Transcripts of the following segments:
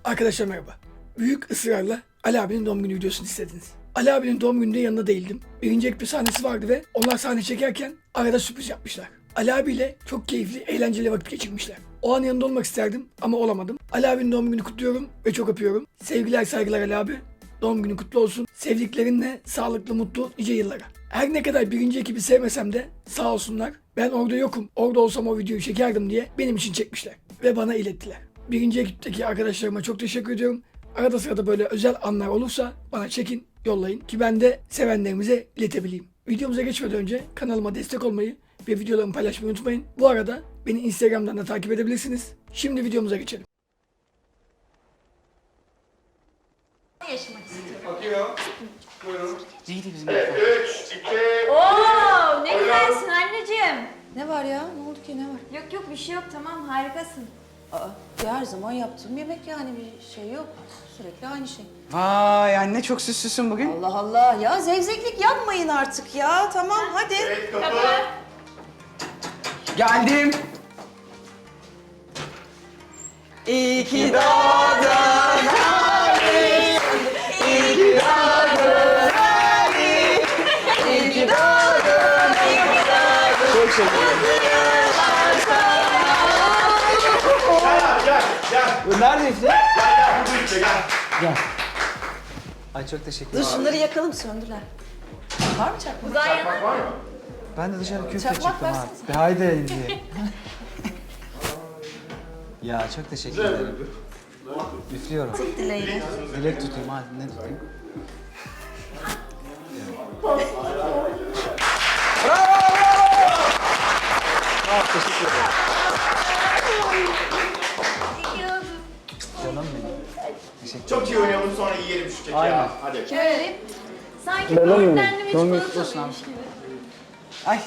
Arkadaşlar merhaba. Büyük ısrarla Ali abinin doğum günü videosunu istediniz. Ali abinin doğum gününde yanında değildim. Birinci ekip sahnesi vardı ve onlar sahne çekerken arada sürpriz yapmışlar. Ali abiyle çok keyifli, eğlenceli vakit geçirmişler. O an yanında olmak isterdim ama olamadım. Ali abinin doğum gününü kutluyorum ve çok öpüyorum. Sevgiler saygılar Ali abi. Doğum günü kutlu olsun. Sevdiklerinle sağlıklı, mutlu, nice yıllara. Her ne kadar birinci ekibi sevmesem de sağ olsunlar. Ben orada yokum. Orada olsam o videoyu çekerdim diye benim için çekmişler. Ve bana ilettiler. Birinci ekipteki arkadaşlarıma çok teşekkür ediyorum. Arada sırada böyle özel anlar olursa bana çekin, yollayın ki ben de sevenlerimize iletebileyim. Videomuza geçmeden önce kanalıma destek olmayı ve videolarımı paylaşmayı unutmayın. Bu arada beni Instagram'dan da takip edebilirsiniz. Şimdi videomuza geçelim. Yaşamak istiyorum. Bakıyor. Buyurun. Neydi bizim? 3, 2, Oo, ne güzelsin anneciğim. Ne var ya? Ne oldu ki ne var? Yok yok bir şey yok tamam harikasın. Aa, ya her zaman yaptığım yemek yani bir şey yok. Sürekli aynı şey. Vay anne çok süslüsün bugün. Allah Allah ya zevzeklik yapmayın artık ya. Tamam hadi. evet kapı. Geldim. İyi ki doğdun abi. İyi ki doğdun abi. İyi ki doğdun. İyi ki doğdun. Çok şekerim. Gel. Bu nerede işte? Gel bu işte gel. Gel. Ay çok teşekkür Dur ederim. şunları yakalım söndüler. Var mı çakmak? Uzay yana. Bak var mı? Ben de dışarı köfte Çakmak çıktım versene. abi. Haydi diye. Ya çok teşekkür ederim. Üflüyorum. Dileğine. Dilek tutayım hadi ne tutayım? Bravo teşekkür ederim. Canım benim. Teşekkür ederim. Çok iyi oynayalım sonra yiyelim şu keki Aynen. ya. Hadi. Şöyle. Sanki Benim mi? böğürtlenli bir Doğum günü çikolata kutlu olsun mıymış abi. gibi. Ay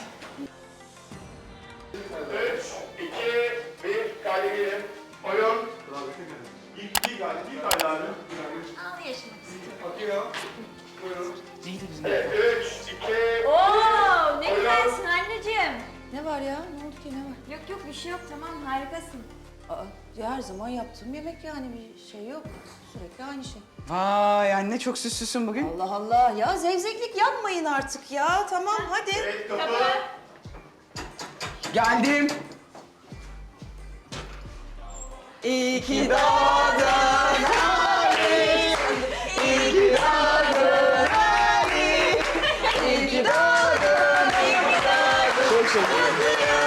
3, 2, 1, kayda girelim. Oyun. İlk kayda abi. Al yaşamak istiyorum. Bakıyor. Buyurun. neydi bizim? 3, 2, Oo, ne güzelsin anneciğim. Ne var ya? Ne oldu ki ne var? Yok yok bir şey yok tamam harikasın. Aa, ya her zaman yaptığım yemek yani bir şey yok. Sürekli aynı şey. Vay anne çok süslüsün bugün. Allah Allah ya zevzeklik yapmayın artık ya. Tamam hadi. evet kapı. Geldim. İyi ki doğdun abi. İyi ki doğdun abi. İyi ki doğdun. İyi ki doğdun. Çok şekerim.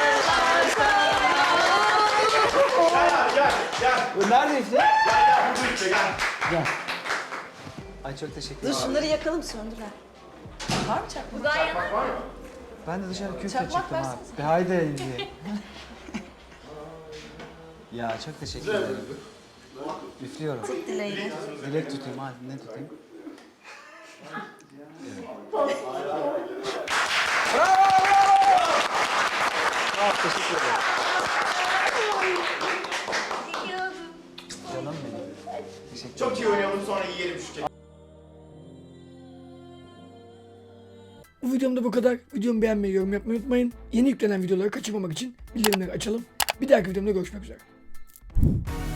Gel. Bu nerede işte? Gel bu işte gel. Gel. Ay çok teşekkür Dur ederim. şunları yakalım söndüler. Var mı çakmak? Uzay yana. Var mı? Ben de dışarı köfte Çakmak çıktım versene. abi. Haydi diye. Ya çok teşekkür ederim. Üflüyorum. Dileğine. Dilek tutayım hadi ne tutayım? Bravo teşekkür ederim. Canım benim. Teşekkür ederim. Çok iyi oynayalım sonra yiyelim şu keki. Bu videomda bu kadar. Videomu beğenmeyi, yorum yapmayı unutmayın. Yeni yüklenen videoları kaçırmamak için bildirimleri açalım. Bir dahaki videomda görüşmek üzere.